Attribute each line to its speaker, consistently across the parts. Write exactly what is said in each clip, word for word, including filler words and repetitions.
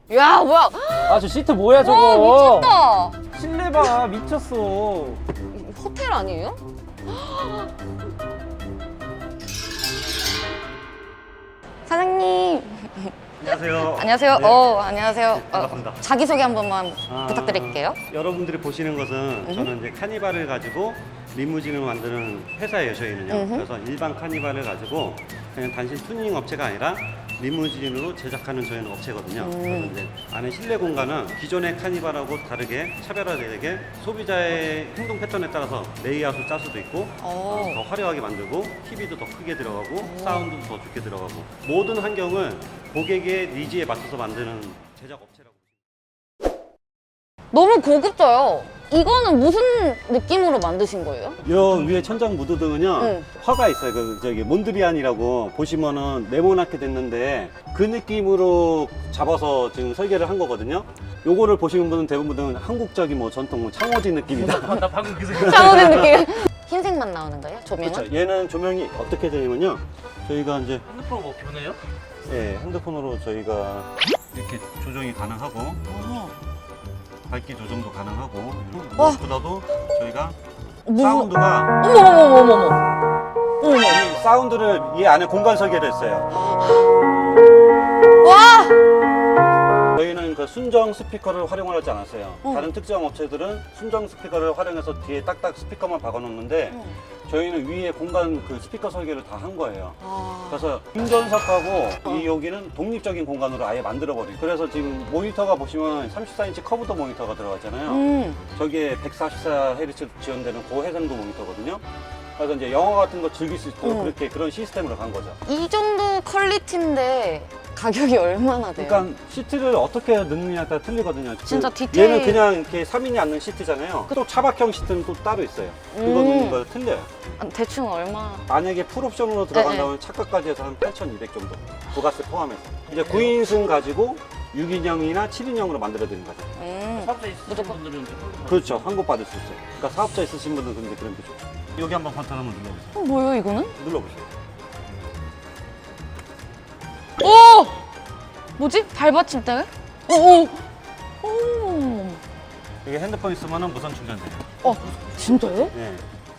Speaker 1: 야 뭐야?
Speaker 2: 아 저 시트 뭐야
Speaker 1: 와
Speaker 2: 저거?
Speaker 1: 미쳤다.
Speaker 2: 실내 봐 미쳤어.
Speaker 1: 호텔 아니에요? 사장님.
Speaker 3: 안녕하세요.
Speaker 1: 안녕하세요.
Speaker 3: 네.
Speaker 1: 어 안녕하세요. 어,
Speaker 3: 반갑습니다.
Speaker 1: 자기소개 한 번만
Speaker 3: 아,
Speaker 1: 부탁드릴게요.
Speaker 3: 여러분들이 보시는 것은 저는 이제 카니발을 가지고 리무진을 만드는 회사예요, 저희는요.
Speaker 1: 음흠.
Speaker 3: 그래서 일반 카니발을 가지고 그냥 단순 튜닝 업체가 아니라 리무진으로 제작하는 저희는 업체거든요.
Speaker 1: 음.
Speaker 3: 그래서 이제 안에 실내 공간은 기존의 카니발하고 다르게 차별화되게 소비자의 행동 패턴에 따라서 레이아웃을 짤 수도 있고
Speaker 1: 어.
Speaker 3: 어, 더 화려하게 만들고 티비도 더 크게 들어가고 사운드도 더 좋게 들어가고 모든 환경을 고객의 니즈에 맞춰서 만드는 제작 업체라고.
Speaker 1: 너무 고급져요. 이거는 무슨 느낌으로 만드신 거예요?
Speaker 3: 요 위에 천장 무드등은요
Speaker 1: 응.
Speaker 3: 화가 있어요. 그 저기 몬드리안이라고 보시면은 네모나게 됐는데 그 느낌으로 잡아서 지금 설계를 한 거거든요. 요거를 보시는 분은 대부분 한국적인 뭐 전통 뭐 창호지 느낌이다.
Speaker 2: 나 방금 그 생각.
Speaker 1: 창호된 느낌. 흰색만 나오는 거예요? 조명은?
Speaker 3: 그렇죠. 얘는 조명이 어떻게 되냐면요. 저희가 이제
Speaker 2: 핸드폰 뭐 변해요?
Speaker 3: 예, 핸드폰으로 저희가 이렇게 조정이 가능하고
Speaker 1: 어.
Speaker 3: 밝기 조정도 가능하고
Speaker 1: 와.
Speaker 3: 무엇보다도 저희가
Speaker 1: 무슨-
Speaker 3: 사운드가
Speaker 1: 어머 어머 어머 어머 어머. 어머.
Speaker 3: 이 사운드를 이 안에 공간 설계를 했어요.
Speaker 1: 와.
Speaker 3: 저희는 그 순정 스피커를 활용을 하지 않았어요.
Speaker 1: 어.
Speaker 3: 다른 특정 업체들은 순정 스피커를 활용해서 뒤에 딱딱 스피커만 박아놓는데
Speaker 1: 어.
Speaker 3: 저희는 위에 공간 그 스피커 설계를 다 한 거예요.
Speaker 1: 아.
Speaker 3: 그래서 운전석하고
Speaker 1: 어.
Speaker 3: 이 여기는 독립적인 공간으로 아예 만들어버린. 그래서 지금 모니터가 보시면 삼십사 인치 커브도 모니터가 들어갔잖아요.
Speaker 1: 음.
Speaker 3: 저기에 백사십사 헤르츠 지원되는 고해상도 모니터거든요. 그래서 이제 영화 같은 거 즐길 수 있도록
Speaker 1: 음.
Speaker 3: 그렇게 그런 시스템으로 간 거죠.
Speaker 1: 이 정도 퀄리티인데 가격이 얼마나 돼요?
Speaker 3: 그러니까 시트를 어떻게 넣느냐에 따라 틀리거든요.
Speaker 1: 진짜
Speaker 3: 그
Speaker 1: 디테일-
Speaker 3: 얘는 그냥 이렇게 삼 인이 앉는 시트잖아요. 또 차박형 시트는 또 따로 있어요. 그거
Speaker 1: 음.
Speaker 3: 넣는 거 틀려요.
Speaker 1: 아, 대충 얼마?
Speaker 3: 만약에 풀옵션으로
Speaker 1: 네,
Speaker 3: 들어간다면 차가까지 해서 한 팔천이백 정도. 부가세 포함해서. 이제 구 인승 가지고 육 인형이나 칠 인형으로 만들어 드리는 거죠.
Speaker 1: 음.
Speaker 2: 사업자 있으신
Speaker 1: 무조건.
Speaker 2: 분들은
Speaker 3: 그렇죠. 환급 받을 수 있어요. 그러니까 사업자 있으신 분들은 근데 그런 게 좋죠. 여기 한번 버튼 한번 눌러보세요.
Speaker 1: 어, 뭐예요 이거는?
Speaker 3: 눌러보세요.
Speaker 1: 오! 뭐지? 발받침대? 오! 오! 오!
Speaker 3: 이게 핸드폰 있으면 무선 충전돼요.
Speaker 1: 어, 진짜요?
Speaker 3: 네.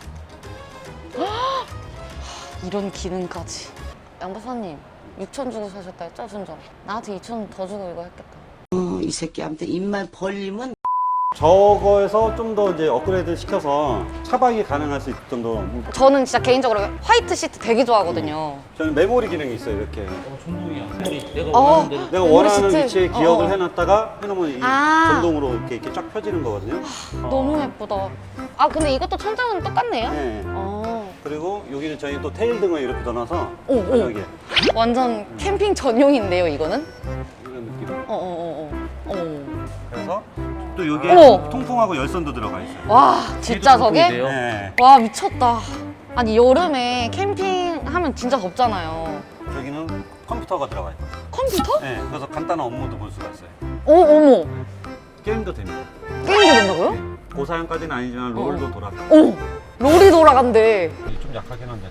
Speaker 1: 이런 기능까지. 양박사님, 육천 주고 사셨다 했죠, 순정? 나한테 이천 더 주고 이거 했겠다.
Speaker 4: 어, 이 새끼한테 입만 벌리면
Speaker 3: 저거에서 좀 더 이제 업그레이드 시켜서 차박이 가능할 수 있을 정도.
Speaker 1: 저는 진짜 개인적으로 화이트 시트 되게 좋아하거든요.
Speaker 3: 저는 메모리 기능이 있어요. 이렇게.
Speaker 2: 어, 전동이야. 우리 내가
Speaker 1: 어.
Speaker 2: 원하는 대로.
Speaker 3: 내가
Speaker 1: 메모리
Speaker 3: 원하는
Speaker 1: 시트.
Speaker 3: 위치에
Speaker 1: 어,
Speaker 3: 기억을
Speaker 1: 어.
Speaker 3: 해놨다가 해놓으면 이
Speaker 1: 아.
Speaker 3: 전동으로 이렇게, 이렇게 쫙 펴지는 거거든요.
Speaker 1: 너무 예쁘다. 아, 근데 이것도 천장은 똑같네요?
Speaker 3: 네.
Speaker 1: 어.
Speaker 3: 그리고 여기는 저희 또 테일 등을 이렇게 넣어놔서
Speaker 1: 오, 오.
Speaker 3: 저녁에
Speaker 1: 완전 캠핑 전용인데요, 이거는?
Speaker 3: 이런 느낌.
Speaker 1: 어, 어, 어, 어. 어.
Speaker 3: 그래서 또 여기에
Speaker 1: 어머.
Speaker 3: 통풍하고 열선도 들어가 있어요.
Speaker 1: 와, 뒷좌석에?
Speaker 2: 돼요?
Speaker 3: 네.
Speaker 1: 와, 미쳤다. 아니, 여름에 캠핑하면 진짜 덥잖아요.
Speaker 3: 여기는 컴퓨터가 들어가 있고.
Speaker 1: 컴퓨터?
Speaker 3: 네. 그래서 간단한 업무도 볼 수가 있어요.
Speaker 1: 오, 어머.
Speaker 3: 게임도 됩니다.
Speaker 1: 게임도 된다고요?
Speaker 3: 고사양까지는 아니지만 롤도 돌아가.
Speaker 1: 오, 롤이 돌아간대.
Speaker 3: 좀 약하긴 한데.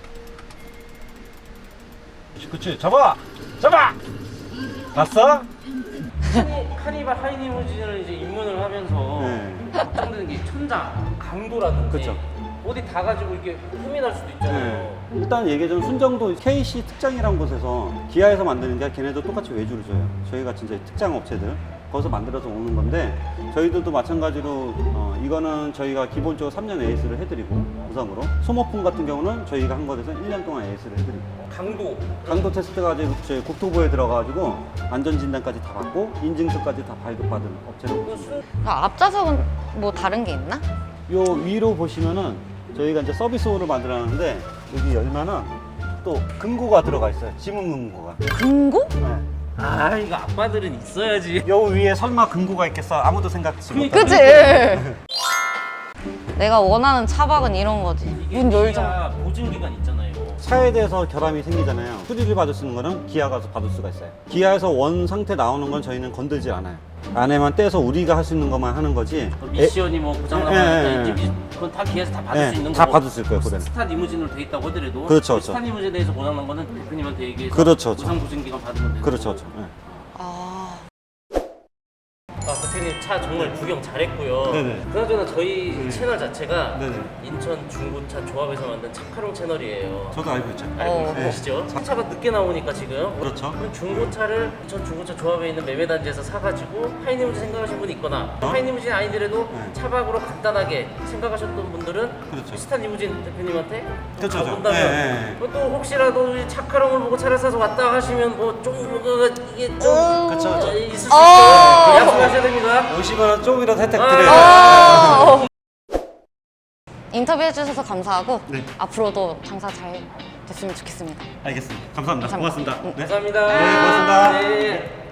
Speaker 3: 그치, 잡아! 잡아! 봤어?
Speaker 2: 카니발 하이리무진을 이제 입문을 하면서
Speaker 3: 네.
Speaker 2: 걱정되는 게 천장, 강도라든지
Speaker 3: 그쵸.
Speaker 2: 어디 다 가지고 이렇게 흠이 날 수도 있잖아요.
Speaker 3: 네. 일단 얘기하자면 순정도 케이씨 특장이라는 곳에서 기아에서 만드는 게 걔네도 똑같이 외주를 줘요. 저희가 진짜 특장 업체들 거기서 만들어서 오는 건데 저희들도 마찬가지로 어, 이거는 저희가 기본적으로 삼 년 에이에스를 해드리고 무상으로 소모품 같은 경우는 저희가 한 것에서 일 년 동안 에이에스를 해드리고
Speaker 2: 강도.
Speaker 3: 강도 테스트가 이제 저희 국토부에 들어가가지고 안전진단까지 다 받고 인증서까지 다 발급받은 업체로
Speaker 2: 그
Speaker 3: 보시면 돼요.
Speaker 1: 아, 앞좌석은 뭐 다른 게 있나?
Speaker 3: 요 위로 보시면은 저희가 이제 서비스홀을 만들어놨는데 여기 열면은 또 금고가 들어가 있어요. 지문 금고가.
Speaker 1: 금고?
Speaker 3: 네.
Speaker 2: 아, 이거 아빠들은 있어야지.
Speaker 3: 요 위에 설마 금고가 있겠어? 아무도 생각지 못하는.
Speaker 1: 그치? 내가 원하는 차박은 이런 거지.
Speaker 2: 이게
Speaker 1: 문 열자.
Speaker 2: 기아 보증 기간 있잖아요.
Speaker 3: 차에 대해서 결함이 생기잖아요. 수리를 받을 수 있는 거는 기아 가서 받을 수가 있어요. 기아에서 원 상태 나오는 건 저희는 건들지 않아요. 안에만 떼서 우리가 할 수 있는 것만 하는 거지.
Speaker 2: 미션이 뭐 고장
Speaker 3: 예,
Speaker 2: 나거나
Speaker 3: 예, 예.
Speaker 2: 이제 그건 다 기아에서 다 받을
Speaker 3: 예,
Speaker 2: 수 있는
Speaker 3: 다
Speaker 2: 거고.
Speaker 3: 받을 수 있을 거예요, 그대로.
Speaker 2: 스타 리무진으로 돼 있다고 하더라도
Speaker 3: 그렇죠,
Speaker 2: 그 스타
Speaker 3: 그렇죠.
Speaker 2: 리무진에 대해서 고장 난 거는 대표님한테 얘기해서
Speaker 3: 그렇죠, 그렇죠.
Speaker 2: 보상 보증 기간 받으면 되는
Speaker 3: 그렇죠,
Speaker 2: 거고.
Speaker 3: 그렇죠. 예.
Speaker 1: 아.
Speaker 2: 대표님 차 정말 구경 잘했고요.
Speaker 3: 네네.
Speaker 2: 그나저나 저희 채널 자체가
Speaker 3: 네네.
Speaker 2: 인천 중고차 조합에서 만든 차카롱 채널이에요.
Speaker 3: 저도 알고 있죠.
Speaker 2: 알고
Speaker 1: 어.
Speaker 2: 계시죠? 차가 늦게 나오니까 지금
Speaker 3: 그렇죠.
Speaker 2: 그럼 중고차를 인천 중고차 조합에 있는 매매단지에서 사가지고 하이리무진 생각하신 분이 있거나
Speaker 3: 어?
Speaker 2: 하이리무진 아니더라도
Speaker 3: 네.
Speaker 2: 차박으로 간단하게 생각하셨던 분들은
Speaker 3: 그렇죠.
Speaker 2: 비슷한 리무진 대표님한테
Speaker 3: 그렇죠.
Speaker 2: 가본다면
Speaker 3: 네, 네.
Speaker 2: 또 혹시라도 이 차카롱을 보고 차를 사서 왔다 하시면 뭐좀 이게 좀
Speaker 3: 그쵸, 그쵸.
Speaker 2: 어, 있을 수 있죠.
Speaker 1: 어.
Speaker 2: 약속하셔야 됩니다.
Speaker 3: 오시면 원 조금이라도 혜택
Speaker 2: 아.
Speaker 3: 드려요.
Speaker 1: 어. 인터뷰 해주셔서 감사하고
Speaker 3: 네.
Speaker 1: 앞으로도 장사 잘 됐으면 좋겠습니다.
Speaker 3: 알겠습니다. 감사합니다.
Speaker 1: 감사합니다.
Speaker 3: 고맙습니다. 네.
Speaker 2: 감사합니다.
Speaker 3: 네, 고맙습니다.
Speaker 2: 네.